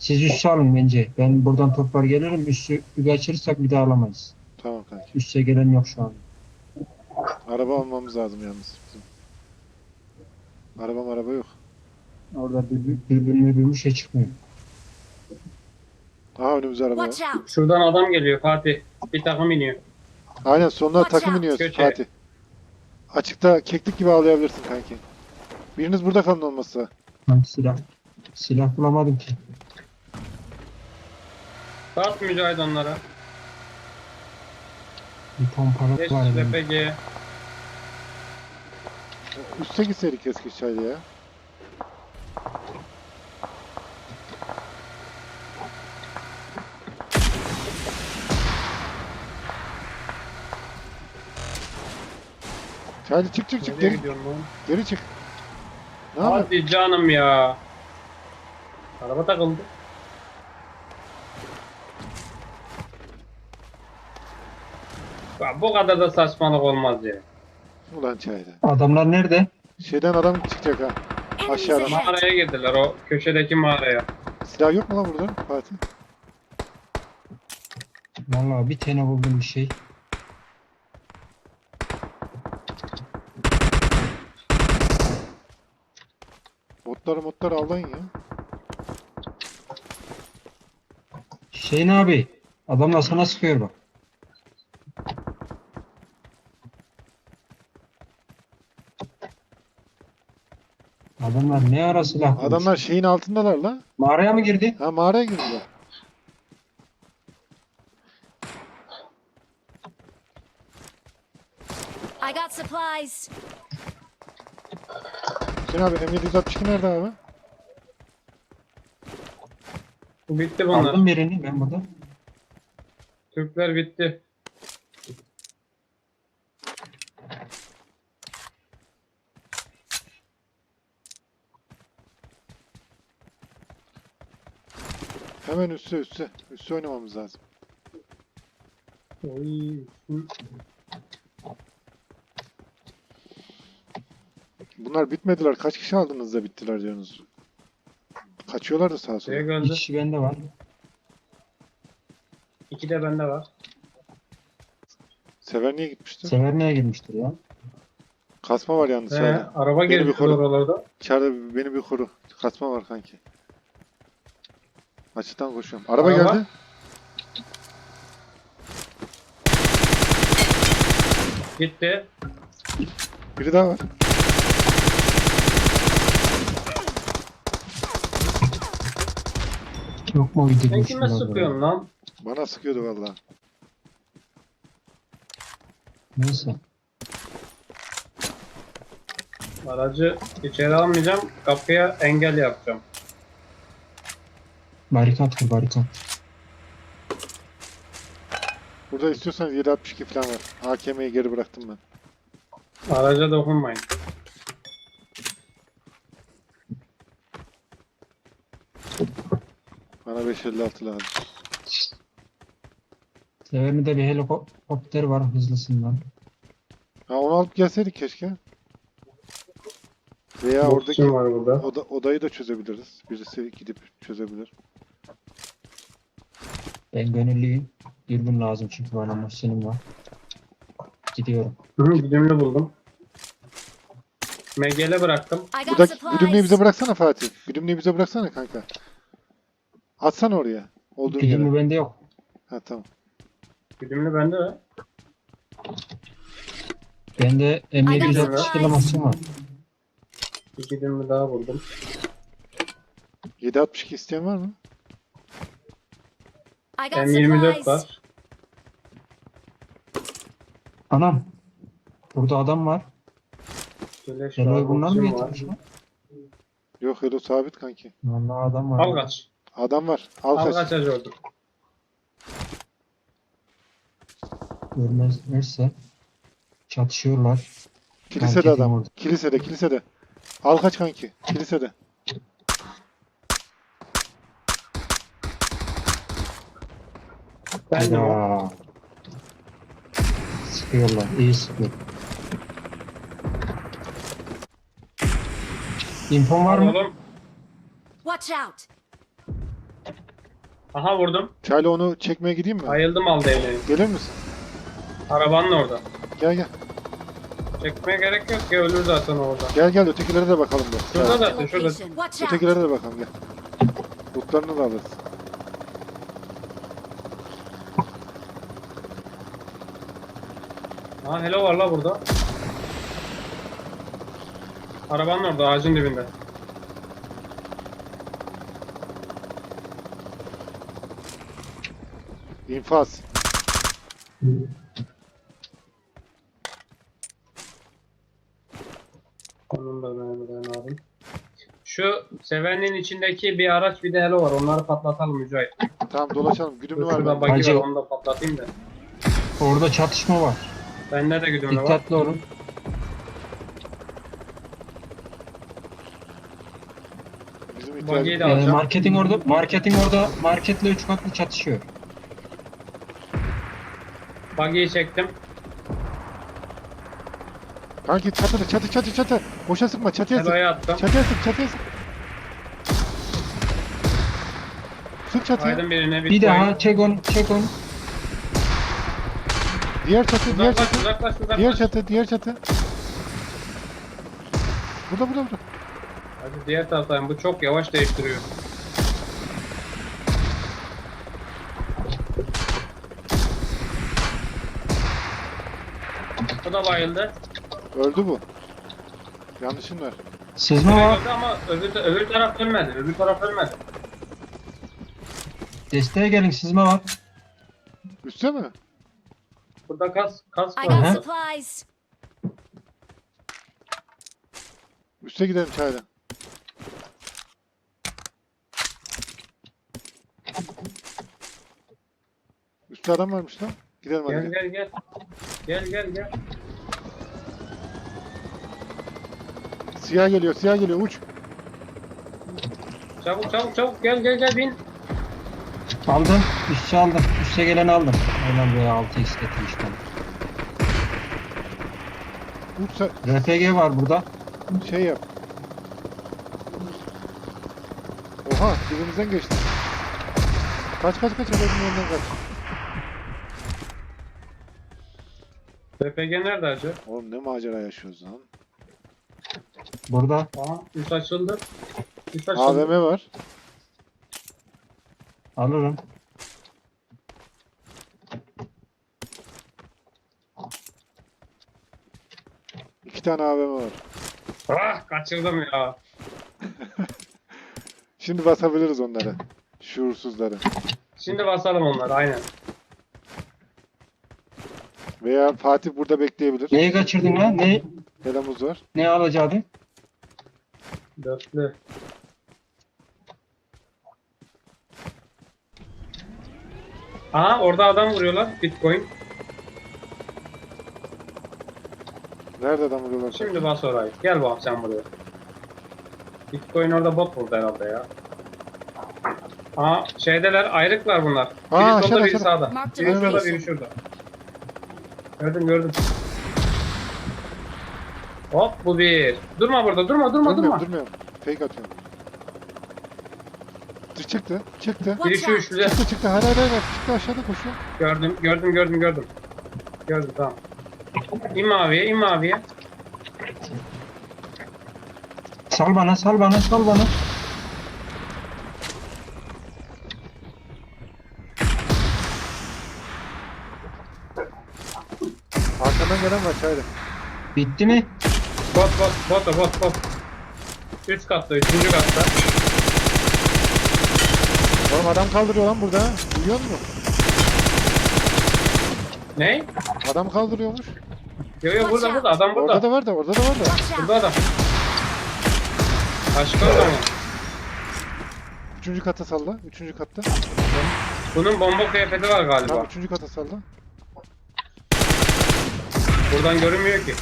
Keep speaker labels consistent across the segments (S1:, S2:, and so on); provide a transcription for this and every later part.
S1: Siz üssü alın bence. Ben buradan toplar gelirim. Üssü kaçırırsak bir daha alamayız.
S2: Tamam kanki.
S1: Üsse gelen yok şu an.
S2: Araba almamız lazım yalnız bizim. Araba yok.
S1: Orada birbirine şey çıkmıyor.
S2: Aha önümüzde araba var.
S3: Watch out!
S4: Şuradan adam geliyor Fatih. Bir takım iniyor.
S2: Aynen sonuna
S3: Watch
S2: takım
S3: out.
S2: iniyoruz
S4: Köşe.
S2: Fatih. Açıkta keklik gibi ağlayabilirsin kanki. Biriniz burada kalın olmazsa.
S1: Ben silah bulamadım ki.
S4: Bas Mücahit onlara.
S1: Bir pompalık
S4: Geç
S1: var. benim.
S4: LPG.
S2: Üste gitseydik eski çayda ya. Çaylı çık
S4: Nereye
S2: geri,
S4: gidiyorsun lan?
S2: geri çık. Ne yapıyorsun?
S4: Hadi canım ya. Araba takıldı. Ya bu kadar da saçmalık olmaz ya.
S2: Ulan çayda.
S1: Adamlar nerede?
S2: Şeyden adam çıkacak ha.
S3: Enemies
S2: Aşağıdan.
S3: ahead!
S4: Mağaraya girdiler, o köşedeki mağaraya.
S2: Silah yok mu lan burada Fatih?
S1: Vallahi bir tane buldum bir şey.
S2: Botları avlayın ya.
S1: Hüseyin abi. Adamlar sana sıkıyor bak. Adamlar ne ara silah bulmuş?
S2: Adamlar şeyin altındalar la.
S1: Mağaraya mı girdi?
S2: Ha mağaraya girdiler.
S3: I got supplies!
S2: Hüseyin abi M762 nerede abi?
S4: Bitti bunlar.
S1: Aldım birini ben burada.
S4: Türkler bitti.
S2: Hemen üste. Üste oynamamız lazım.
S4: Oy.
S2: Bunlar bitmediler. Kaç kişi aldınız da bittiler diyorsunuz. Kaçıyorlar da sağa sola.
S4: Şeye
S1: Bir
S4: geldi.
S1: kişi bende var.
S4: 2 de bende var.
S2: Sever niye gitmişti?
S1: Severne'ye girmiştir ya.
S2: Kasma var yalnız
S4: He,
S2: sağda.
S4: araba
S2: Beni bir
S4: girdi
S2: koru.
S4: oralarda.
S2: İçeride beni bir koru. Kasma var kanki. Açıktan koşuyorum. Araba
S4: Araba.
S2: geldi.
S4: Gitti.
S2: Biri daha var.
S1: Yok mu bir
S4: Sen
S1: de
S4: kime sıkıyorsun lan?
S2: Bana sıkıyordu vallahi.
S1: Neyse.
S4: Aracı içeri almayacağım. Kapıya engel yapacağım.
S1: Barikat kur barikat.
S2: Burada istiyorsanız 762 falan var. AKM'yi geri bıraktım ben.
S4: Araca dokunmayın.
S2: Bana 556 lazım.
S1: Severne'de bir helikopter var hızlısından.
S2: Ha onu alıp gelseydik keşke. Veya
S4: Boksçum
S2: oradaki
S4: var burada.
S2: odayı da çözebiliriz. Birisi gidip çözebilir.
S1: Ben gönüllüyüm. Dürbün lazım çünkü bana Muhsin'im var. Gidiyorum.
S4: Hı, güdümlü buldum. MG'le bıraktım.
S3: I got
S2: Buradaki güdümlüğü bize
S3: supplies!
S2: bıraksana Fatih. Güdümlüğü bize bıraksana kanka. Atsana oraya. Olduğun
S1: Güdümlü
S2: yere.
S1: bende yok.
S2: Ha tamam.
S4: Güdümlü bende de.
S1: Bende M762 lamasyon var.
S4: Bir güdümlü daha buldum.
S2: 762 isteyen var mı?
S3: I got
S4: M24
S3: supplies!
S4: var.
S1: Anam. Burada adam var.
S4: Güleş
S1: Helo'yu
S4: var.
S1: bunlar mı
S4: Boksçum var.
S1: getirmiş lan?
S2: Yok Helo sabit kanki.
S1: Vallahi adam var.
S4: Al kaç.
S2: Adam var. Al
S4: Al
S2: kaç.
S4: kaç acı oldu.
S1: Görmezlerse çatışıyorlar.
S2: Kilisede
S1: Kanki
S2: adam.
S1: orada.
S2: Kilisede. Al kaç kanki. Kilisede.
S4: Ben de o.
S1: Ya. Sıkıyorlar. İyi sıkıyor. İnfon var mı?
S4: Oğlum.
S3: Watch out!
S4: Aha vurdum.
S2: Çayla onu çekmeye gideyim mi?
S4: Ayıldım aldı evleri.
S2: Gelir misin?
S4: Arabanın orada.
S2: Gel gel.
S4: Çekmeye gerek yok ki ölür zaten orada.
S2: Gel gel ötekilere de bakalım da.
S4: Şurada
S2: Gel.
S4: zaten şurada.
S3: Location. Watch out.
S2: Ötekilere de bakalım gel. Lootlarını da alırız.
S4: Ha hello var la burada. Arabanın orada ağacın dibinde.
S2: İnfaz.
S4: Onun da ben aldım. Şu sevenin içindeki bir araç bir de hello var. Onları patlatalım Mücahit.
S2: Tamam dolaşalım. Güdümlü var
S4: Şurada
S2: bende.
S4: bagi
S1: Hacı-
S4: var onu da patlatayım da.
S1: Orada çatışma var.
S4: Bende de güdümlü var.
S1: Dikkatli olun.
S2: Bizim
S4: Bagiyi
S2: ihtiyacımız
S4: de
S2: var.
S4: alacağım.
S1: Marketin orada marketle 3 katlı çatışıyor.
S4: Bagiyi çektim.
S2: Kanki çatı. Boşa sıkma çatıya sık.
S4: Hello'ya attım.
S2: Çatıya sık. Sık çatıya.
S4: Aydın birine
S1: Bir daha çek onu.
S2: Diğer çatı.
S4: Uzaklaş.
S2: Diğer çatı. Burada.
S4: Hadi diğer taraftayım. Bu çok yavaş değiştiriyor. Bu da bayıldı.
S2: Öldü bu. Yanlışın var.
S1: Sızma var.
S4: Bayıldı ama öbür taraf ölmedi. Öbür taraf ölmedi.
S1: Desteğe gelin, sızma var.
S2: Üste mi?
S4: Burada kas
S3: I
S4: var.
S3: got
S1: Uh-huh.
S3: supplies.
S2: Üste gidelim çayla. Üstte adam varmış lan. Gidelim hadi.
S4: Gel.
S2: Siyah geliyor uç.
S4: Çabuk gel bin.
S1: Aldım. Üste aldım. Üste geleni aldım. Aynen buraya 6x getirmiştim.
S2: Uç sen
S1: RPG var burada.
S2: şey yap. Oha dibimizden geçti. Kaç adamın yanından kaç.
S4: RPG nerede acı?
S2: Oğlum ne macera yaşıyoruz lan.
S1: Burada.
S4: Aha üst açıldı.
S2: AVM var.
S1: Alırım.
S2: İki tane AVM var.
S4: Ah kaçırdım ya.
S2: Şimdi basabiliriz onları. Şuursuzları.
S4: Şimdi basalım onları aynen.
S2: Veya Fatih burada bekleyebilir.
S1: Neyi kaçırdın lan?
S2: Belamuz var.
S1: Ne alacaktın?
S4: Dörtlü. Aha orada adam vuruyorlar. Bitcoin.
S2: Nerede adam vuruyorlar?
S4: Şimdi bas orayı. Gel bak sen buraya. Bitcoin orada bot vurdu herhalde ya. Aha şeydeler ayrıklar bunlar. Biri
S2: Aa,
S4: solda biri
S2: aşağıda.
S4: sağda.
S3: Marked
S4: Biri
S3: a
S4: şurada
S3: location.
S4: biri şurada. Gördüm. Hop bu bir. Durma burada durma.
S2: Durmuyorum. Fake atıyorum. Çıktı.
S4: Biri şu üçlüde.
S2: Çıktı. Hayır. Çıktı aşağıda koşuyor.
S4: Gördüm. Gördüm tamam. İn maviye.
S1: Sal bana.
S2: Arkadan gelen var çayla.
S1: Bitti mi?
S4: Bot. Üst katta, üçüncü katta.
S2: Oğlum adam kaldırıyor lan burada. Duyuyor musun?
S4: Ne?
S2: Adam kaldırıyormuş.
S4: Yo burada adam burada.
S2: Orada da var da.
S3: Watch out.
S4: Burada adam. Başka adam.
S2: Üçüncü kata salla. Üçüncü katta.
S4: Bunun bomba kıyafeti var galiba.
S2: Tamam üçüncü kata salla.
S4: Buradan görünmüyor ki.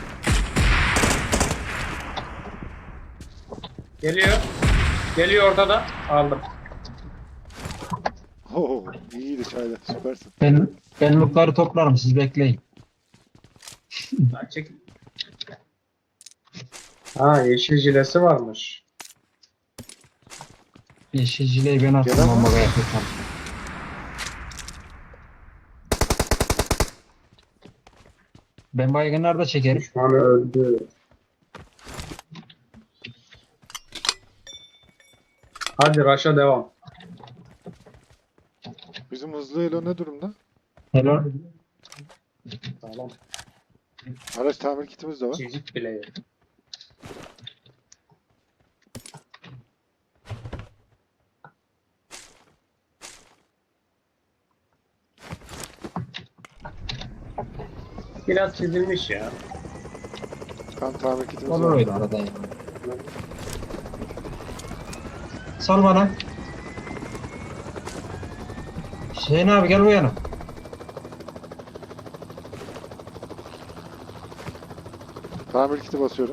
S4: Geliyor ortada. Aldım.
S2: Oo, iyiydi çayla. Süpersin.
S1: Ben lootları toplarım, siz bekleyin.
S4: Ha, çek. Ha yeşil jilesi varmış.
S1: Yeşil jileyi ben attım
S2: Gelen var.
S1: ama yapacağım. Ben baygınlar da çekerim.
S4: Düşmanı öldü. Hadi Raş'a devam.
S2: Bizim hızlı Elo ne durumda?
S1: Hello.
S4: Sağlam.
S2: Araç tamir kitimiz de var.
S4: Çizik bile yok. Biraz çizilmiş ya.
S2: Kan tamir kitimiz
S1: Olur
S2: var.
S1: öyle arada ya. Sal bana. Hüseyin abi gel bu yana.
S2: Tamir kiti basıyorum.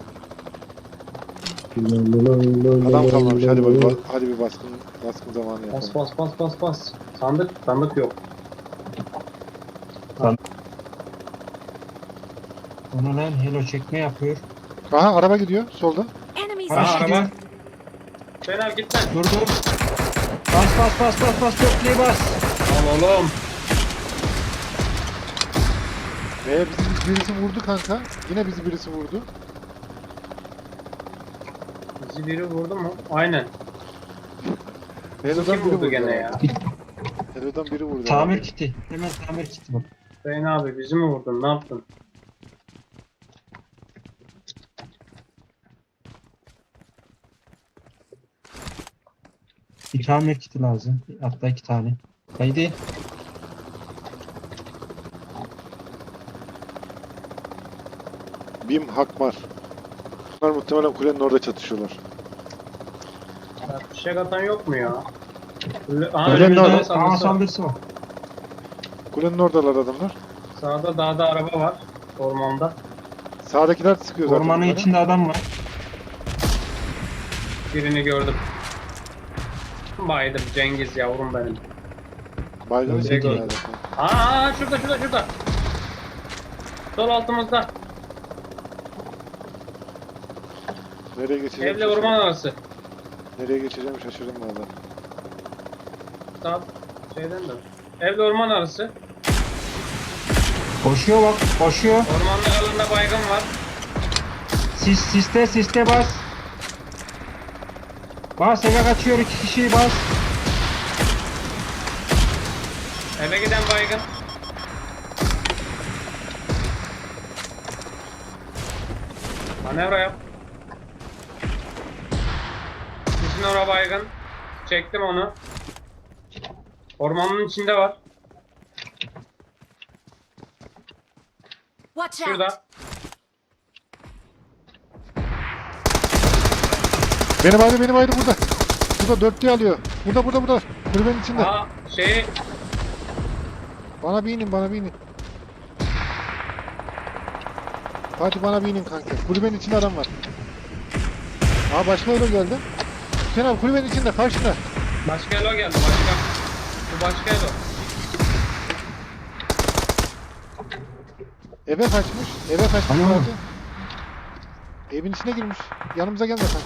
S2: Adam kalmamış. Hadi bir baskın zamanı yapalım.
S4: Bas bas bas bas bas. Sandık yok.
S1: Ona lan hello çekme yapıyor.
S2: Aha araba gidiyor solda.
S3: Enemies
S1: Araç
S3: ahead.
S1: gidiyor.
S4: araba. Fena gitme.
S1: Dur dur. Bas. Dörtlüğü bas.
S4: Al oğlum.
S2: Bizi birisi vurdu kanka. Yine bizi birisi vurdu.
S4: Bizi biri vurdu mu? Aynen.
S2: Elo'dan
S4: Kim
S2: biri
S4: vurdu
S2: vurdu.
S4: gene ya?
S2: Elo'dan biri vurdu.
S1: Tamir kiti. Hemen tamir kiti bak.
S4: Hüseyin abi bizi mi vurdun? Ne yaptın?
S1: Bir tamir kiti lazım. Hatta 2 tane. Haydi.
S2: Bim Hakmar. Bunlar muhtemelen kulenin orada çatışıyorlar.
S4: Ya, fişek atan yok mu ya?
S2: Öyle
S4: Önümüzde
S2: mi?
S1: Aa
S4: saldırısı.
S1: saldırısı var.
S2: Kulenin oradalar adamlar.
S4: Sağda dağda araba var. Ormanda.
S2: Sağdakiler sıkıyor zaten.
S1: Ormanın
S2: bunları.
S1: içinde adam var.
S4: Birini gördüm. Baydım Cengiz yavrum benim.
S2: Baygın
S1: Öyle
S2: çekiyor
S1: değil.
S2: herhalde.
S4: Aa şurada. Sol altımızda.
S2: Nereye geçeceğim?
S4: Evle orman arası.
S2: Nereye geçeceğim şaşırdım valla.
S4: Sağ şeyden de. Evle orman arası.
S1: Koşuyor bak. Koşuyor.
S4: Ormanlık alanında baygın var.
S1: Siste bas. Bas eve kaçıyor 2 kişi bas.
S4: Eve giden baygın. Manevra yap. Sizin oraya baygın. Çektim onu. Ormanın içinde var.
S3: Watch out.
S4: Şurada.
S2: Benim ayrı burada. Burada dörtlüğü alıyor. Burada. Kulübenin içinde.
S4: Aa şey
S2: Bana bir inin. Fatih bana bir inin kanka. Kulübenin içinde adam var. Aa başka Elo geldi. Sen abi kulübenin içinde karşında.
S4: başka elo geldi başka. Bu başka elo.
S2: Eve kaçmış.
S1: Hani oğlum?
S2: Fatih. Evin içine girmiş. Yanımıza gelme kanka.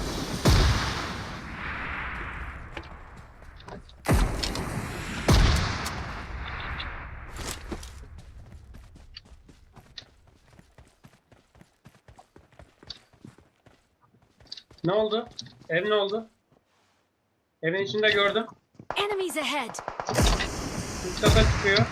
S4: Ne oldu? Ev ne oldu? Evin içinde gördüm.
S3: Enemies ahead.
S4: Üst kata çıkıyor.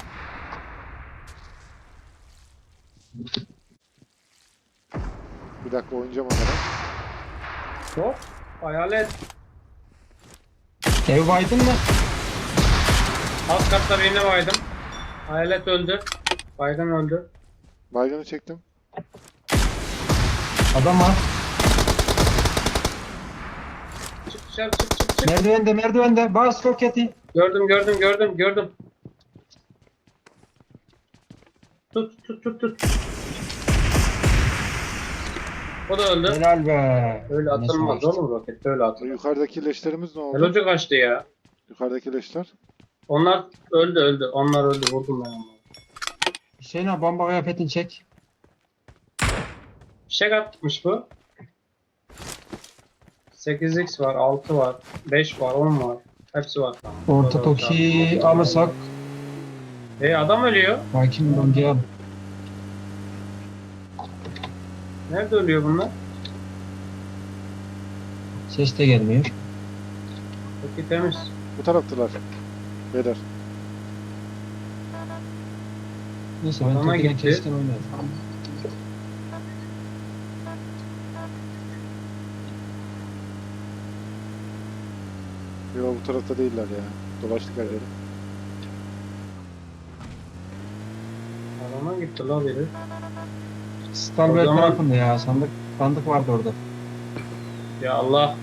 S2: Bir dakika oynayacağım onlara.
S4: Hop. Hayalet.
S1: Ev baydın mı?
S4: Alt katta birini baydım. Hayalet öldü. Baygın öldü.
S2: Baygını çektim.
S1: Adam var.
S4: Çık dışarı çık.
S1: Merdivende. Bas roketi.
S4: Gördüm. Tut. O da öldü.
S1: Helal be.
S4: Öyle
S1: Neyse,
S4: atılmaz
S1: geçti.
S4: oğlum roket. Öyle atılmaz.
S2: Yukarıdaki leşlerimiz ne oldu?
S4: Elocu kaçtı ya.
S2: Yukarıdaki leşler.
S4: Onlar öldü. Onlar öldü. Vurdum ben onları.
S1: Hüseyin abi bomba kıyafetini çek.
S4: Fişek atmış bu. 8x var, 6 var, 5 var, 10 var. Hepsi var.
S1: Orta toki alırsak.
S4: Adam ölüyor.
S1: Bakayım bölgeye al.
S4: Nerede ölüyor bunlar?
S1: Ses de gelmiyor.
S4: Peki temiz.
S2: Bu taraftılar. Beyler.
S1: Neyse ben
S4: Adama
S1: tekini
S4: gitti.
S1: kestim oynarım.
S2: Yok bu tarafta değiller ya. Dolaştık her yere.
S4: Adama gitti la biri.
S1: Stalber
S4: O zaman-
S1: tarafında ya. Sandık vardı orada.
S4: Ya Allah.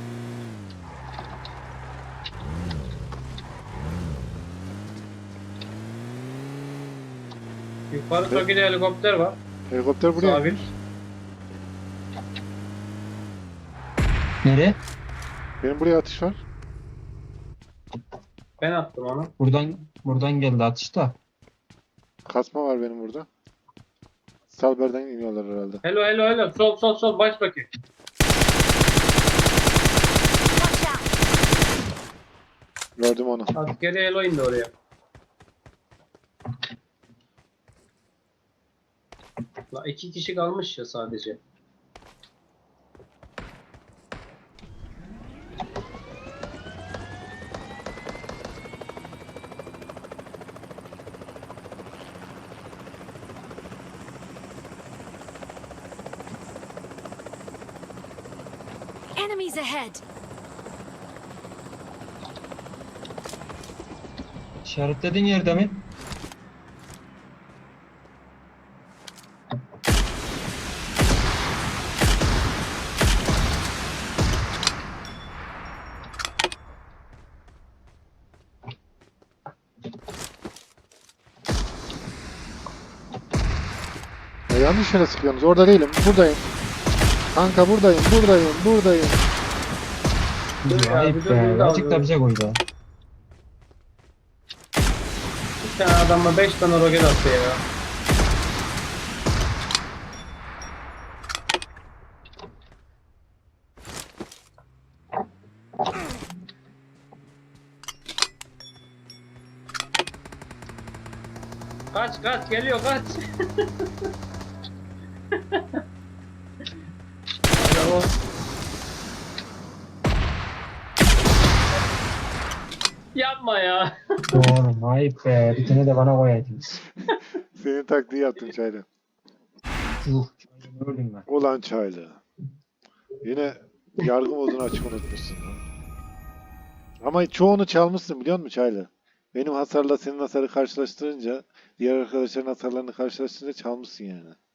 S4: Yukarı Toki'de helikopter var.
S2: Helikopter buraya.
S4: Sabit.
S1: Nereye?
S2: Benim buraya atış var.
S4: Ben attım onu.
S1: Buradan geldi atış da.
S2: Kasma var benim burada. Salber'den iniyorlar herhalde.
S4: Hello hello hello. Sol baş Toki.
S3: Watch out!
S2: Gördüm onu.
S4: Askeri hello indi oraya. La 2 kişi kalmış ya sadece.
S3: Enemies ahead!
S1: İşaretlediğin yerde mi?
S2: Ya yanlış yere sıkıyorsunuz. Orada değilim. Buradayım. Kanka buradayım.
S4: Dur ya,
S1: Ayıp
S4: bir dur,
S1: be.
S4: bir daha
S1: Azıcık da
S4: dur.
S1: bize koy da.
S4: Bir tane adamla 5 tane roket attı ya. Kaç geliyor kaç. Bravo. Yapma ya.
S1: Doğru. Ayıp be. Bir tane de bana koyaydınız.
S2: Senin taktiği yaptım Çaylı.
S1: Yuh. Ne öldüm ben.
S2: Ulan Çaylı. Yine yargı modunu açık unutmuşsun lan. Ama çoğunu çalmışsın biliyor musun Çaylı? Benim hasarla senin hasarı karşılaştırınca, diğer arkadaşların hasarlarını karşılaştırınca çalmışsın yani.